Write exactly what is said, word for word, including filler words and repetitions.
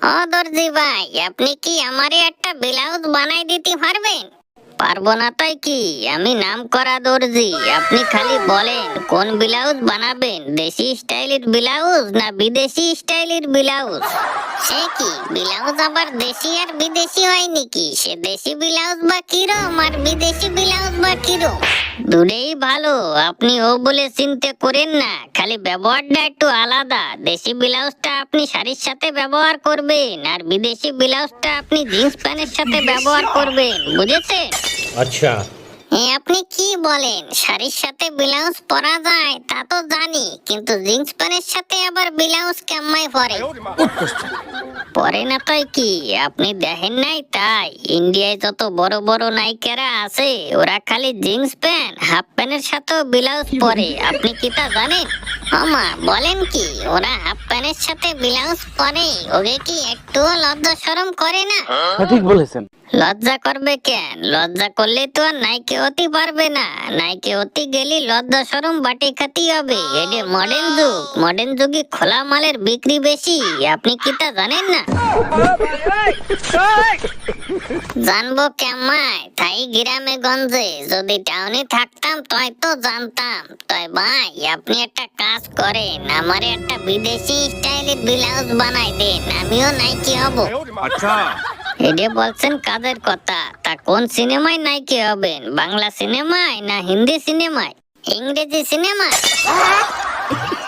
ও দর্জি ভাই, আপনি কি আমারে একটা ব্লাউজ বানাই দিতে পারবেন? পারবো না তাই কি? আমি নাম করা দর্জি। আপনি খালি বলেন কোন ব্লাউজ বানাবেন, দেশি স্টাইলের ব্লাউজ না বিদেশি স্টাইলের ব্লাউজ? সে কি ব্লাউজ আবার দেশি আর বিদেশি হয় নাকি? সে দেশি ব্লাউজ বা কিরম আর বিদেশি ব্লাউজ বা কিরম? দুটোই ভালো, আপনি ও বলে চিন্তা করেন না, খালি ব্যবহারটা একটু আলাদা। দেশি ব্লাউজটা আপনি শাড়ির সাথে ব্যবহার করবেন আর বিদেশি ব্লাউজটা আপনি জিন্স প্যান্টের সাথে ব্যবহার করবেন, বুঝেছেন? আচ্ছা। হ্যাঁ, আপনি কি বলেন? শাড়ির সাথে ব্লাউজ পরা যায় তা তো জানি, কিন্তু জিন্স প্যান্টের সাথে আবার ব্লাউজ কেমন পরে? পরে না তাই কি? আপনি দেখেন নাই তাই? ইন্ডিয়ায় যত বড় বড় নায়িকারা আছে ওরা খালি জিন্স প্যান্ট হাফ প্যান্টের সাথেও ব্লাউজ পরে, আপনি কি তা জানেন? আমা বলেন কি, ওরা হাফ প্যান্টের সাথে ব্লাউজ পরে, ওকে কি একটুও লজ্জা শরম করে না? ঠিক বলেছেন। লজ্জা করবে কেন? লজ্জা করলে তো আর নাইকে হতে পারবে না। নাইকে হতে গেলে লজ্জা শরম বাটি খাতি হবে। এটা মডার্ন যুগ, মডার্ন যুগে খোলা মালের বিক্রি বেশি, আপনি কি তা জানেন না? জানবো কেমায়, তাই গ্রামে গঞ্জে, যদি টাউনে থাকতাম তয় তো জানতাম। তয় ভাই আপনি একটা কাজ করেন, আমারে একটা বিদেশি স্টাইলের ব্লাউজ বানাই দেন, আমিও নাইকি হব। আচ্ছা। এটা বলছেন কাজের কথা, তা কোন সিনেমায় নায়িকা হবেন? বাংলা সিনেমায় না হিন্দি সিনেমায়, ইংরেজি সিনেমায়?